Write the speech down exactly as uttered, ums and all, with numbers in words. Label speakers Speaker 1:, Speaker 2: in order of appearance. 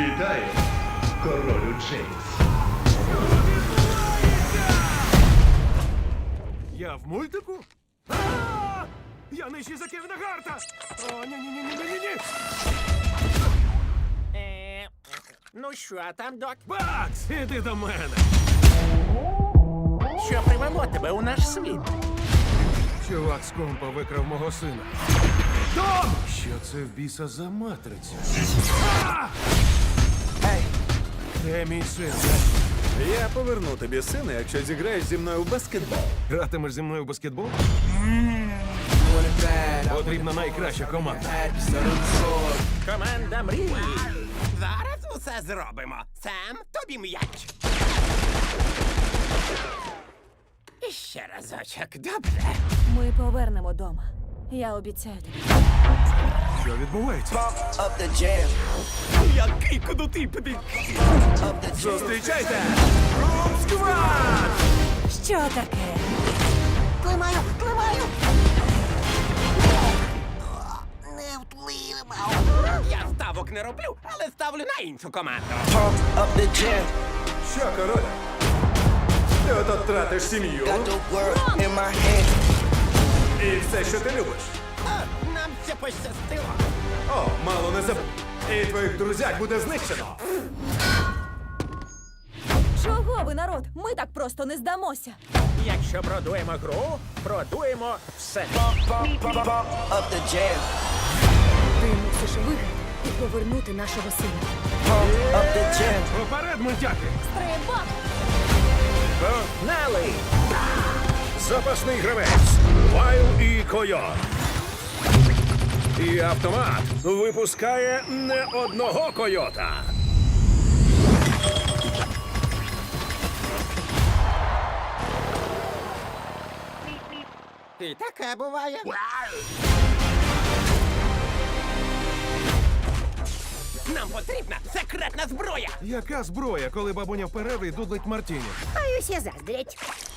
Speaker 1: Вітаю, королю Джеймс.
Speaker 2: Я в мультику? А! Я нижчий за Кевіна Гарта! О, ні-ні-ні-ні-ні-ні!
Speaker 3: Е, ну що там, док?
Speaker 2: Бакс, іди до мене!
Speaker 3: Що привело тебе у наш світ?
Speaker 2: Чувак з компа викрав мого сина. Дом! Що це в біса за матриця? А!
Speaker 4: Ей,
Speaker 2: Де мій син?
Speaker 5: Я поверну тобі сина, якщо зіграєш зі мною в баскетбол.
Speaker 2: Гратимеш зі мною в баскетбол?
Speaker 4: want it bad. I
Speaker 2: Потрібна найкраща команда.
Speaker 4: had so short.
Speaker 3: Команда мрії. Зараз усе зробимо. Сам тобі м'яч. І ще разочок, добре?
Speaker 6: Ми повернемо дома. Я обіцяю тобі.
Speaker 2: Що відбувається?
Speaker 4: Pump up the jam.
Speaker 3: Який кудутий побіг.
Speaker 4: Up the jam.
Speaker 2: Зустрічайте! Рум Сквад!
Speaker 6: Що таке?
Speaker 3: Тримаю, тримаю. Не втримав. Я ставок не роблю, але ставлю на іншу команду.
Speaker 4: Pump up the jam.
Speaker 5: Що, король? Ти ото тратиш сім'ю
Speaker 4: Got the world in my hand.
Speaker 5: і все, що ти любиш.
Speaker 3: А, нам це пощастило.
Speaker 5: О, мало не забув. І твоїх друзяк буде знищено.
Speaker 6: Чого ви, народ? Ми так просто не здамося.
Speaker 3: Якщо продуємо гру, продуємо все.
Speaker 4: Pump, pump, pump, pump up the jam.
Speaker 6: Ти мусиш виграти і повернути нашого сина.
Speaker 4: Pump up the jam.
Speaker 2: Уперед, мультяки!
Speaker 6: Стрибок!
Speaker 3: Погнали!
Speaker 2: Запасний гравець. Вайл і Койот. І автомат випускає не одного койота.
Speaker 3: І таке буває. Нам потрібна секретна зброя.
Speaker 2: Яка зброя, коли бабуня в перерві дудлить Мартіні?
Speaker 7: Боюсь, я заздрять.